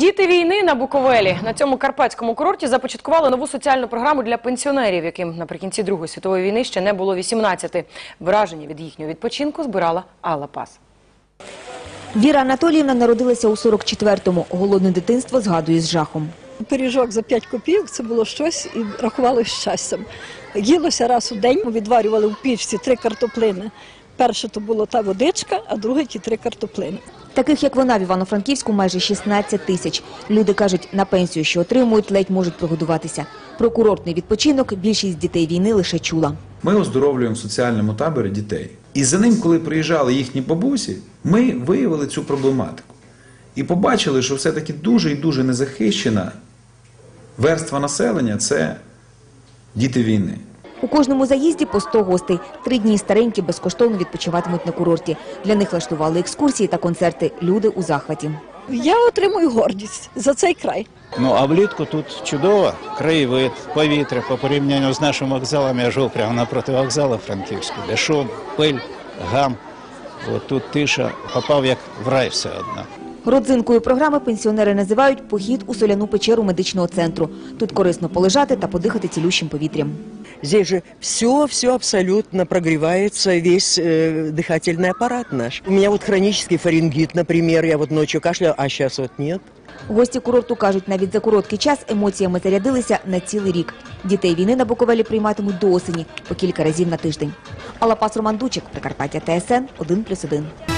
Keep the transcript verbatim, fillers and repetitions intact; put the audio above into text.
Діти війни на Буковелі. На цьому карпатському курорті започаткували нову соціальну програму для пенсіонерів, яким наприкінці Другої світової війни ще не було вісімнадцяти. Враження від їхнього відпочинку збирала Алла Пас. Віра Анатоліївна народилася у сорок четвертому. Голодне дитинство згадує з жахом. Пиріжок за п'ять копійок – це було щось і рахували щастям. Їлося раз у день, ми відварювали в пічці три картоплини. Перше то була та водичка, а друге ті три картоплини. Таких, як вона, в Івано-Франківську майже шістнадцять тисяч. Люди кажуть, на пенсію, що отримують, ледь можуть прогодуватися. Про курортний відпочинок більшість дітей війни лише чула. Ми оздоровлюємо в соціальному таборі дітей. І за ним, коли приїжджали їхні бабусі, ми виявили цю проблематику. І побачили, що все-таки дуже і дуже незахищена верства населення – це діти війни. У кожному заїзді по сто гостей. Три дні старенькі безкоштовно відпочиватимуть на курорті. Для них влаштували екскурсії та концерти. Люди у захваті. Я отримую гордість за цей край. Ну, а влітку тут чудово, краєвид, повітря, по порівнянню з нашим вокзалом, я жив прямо напроти вокзалу Франківського, де шум, пиль, гам, от тут тиша, попав як в рай все одно. Родзинкою програми пенсіонери називають похід у соляну печеру медичного центру. Тут корисно полежати та подихати цілющим повітрям. Здесь же все, все абсолютно прогревается, весь э, дыхательный аппарат наш. У меня вот хронический фарингит, например, я вот ночью кашляю, а сейчас вот нет. Гості курорту кажуть, навіть за короткий час емоціями зарядилися на цілий рік. Дітей війни на Буковелі прийматимуть до осені, по кілька разів на тиждень. Алла Пас, Роман Дучик, Прикарпаття, Т С Н, один плюс один.